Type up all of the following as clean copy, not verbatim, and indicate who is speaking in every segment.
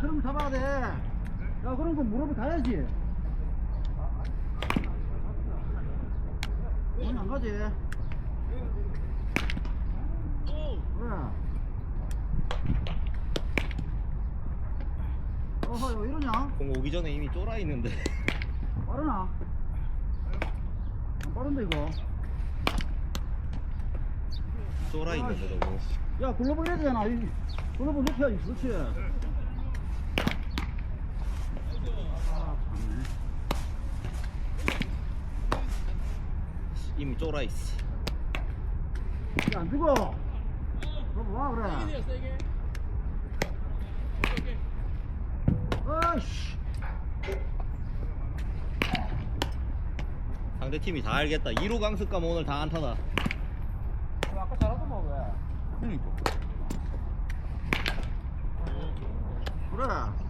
Speaker 1: 그럼 잡아야 돼. 야, 그럼 그 무릎에 가야지. 아니, 안 가지. 그래. 어허, 왜 이러냐?
Speaker 2: 공 오기 전에 이미 쫄아 있는데.
Speaker 1: 빠르나? 안 빠른데, 이거.
Speaker 2: 쫄아 있는데 너무.
Speaker 1: 야, 글러브 이래야 되잖아. 글러브 높여야지. 그렇지. 아, 참네.
Speaker 2: 이미 쫄아 있어.
Speaker 1: 야, 안 죽어. 글러브 와, 그래. 어이씨.
Speaker 2: 상대 팀이 다 알겠다. 1호 강습감 오늘 다 안타다.
Speaker 1: 아까 잘하더만, 왜?
Speaker 3: 그러니까.
Speaker 1: 그래.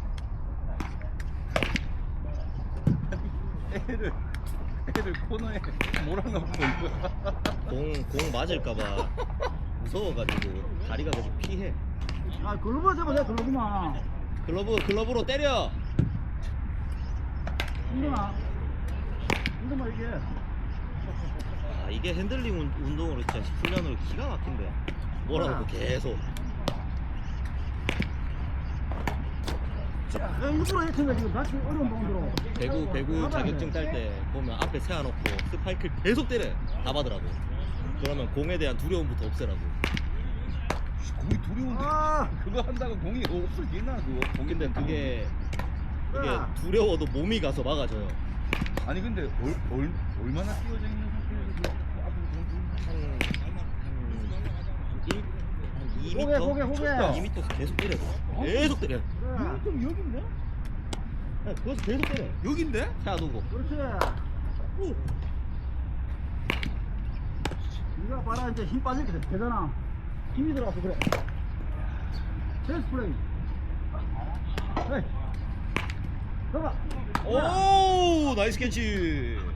Speaker 3: 애를 코너에 몰아넣고 이거.
Speaker 2: 공 맞을까봐 무서워가지고 다리가 계속 피해.
Speaker 1: 아, 글러브 잡아, 내가 글러브만.
Speaker 2: 글러브로 때려.
Speaker 1: 힘드나? 힘드나, 이게.
Speaker 2: 아, 이게 핸들링 운동으로 진짜 훈련으로 기가 막힌데. 몰아놓고 계속.
Speaker 1: 야, 일부러 했는데 지금 다시 어려운 방으로.
Speaker 2: 배구 자격증 딸 때 보면 앞에 세워놓고 스파이크를 계속 때려. 다 받으라고. 그러면 공에 대한 두려움부터 없애라고.
Speaker 3: 공이 두려운데.
Speaker 1: 아!
Speaker 3: 그거 한다고 공이 없어지나 그거.
Speaker 2: 근데 그게
Speaker 1: 야.
Speaker 2: 두려워도 몸이 가서 막아줘요.
Speaker 3: 아니 근데 얼마나 끼워져 있는 상태에서
Speaker 2: 한 2m?
Speaker 1: 고개, 고개, 고개.
Speaker 2: 2m 계속 때려. 계속 때려.
Speaker 1: 그래.
Speaker 3: 좀 여긴데?
Speaker 2: 야, 거기서 계속 때려.
Speaker 3: 여긴데?
Speaker 2: 세워두고.
Speaker 1: 그렇지. 네가 봐라, 이제 힘 빠질 게 되잖아. 힘이 들어가서 그래. 체스 플레이. 헤이. 가봐.
Speaker 2: 오, 나이스 캐치.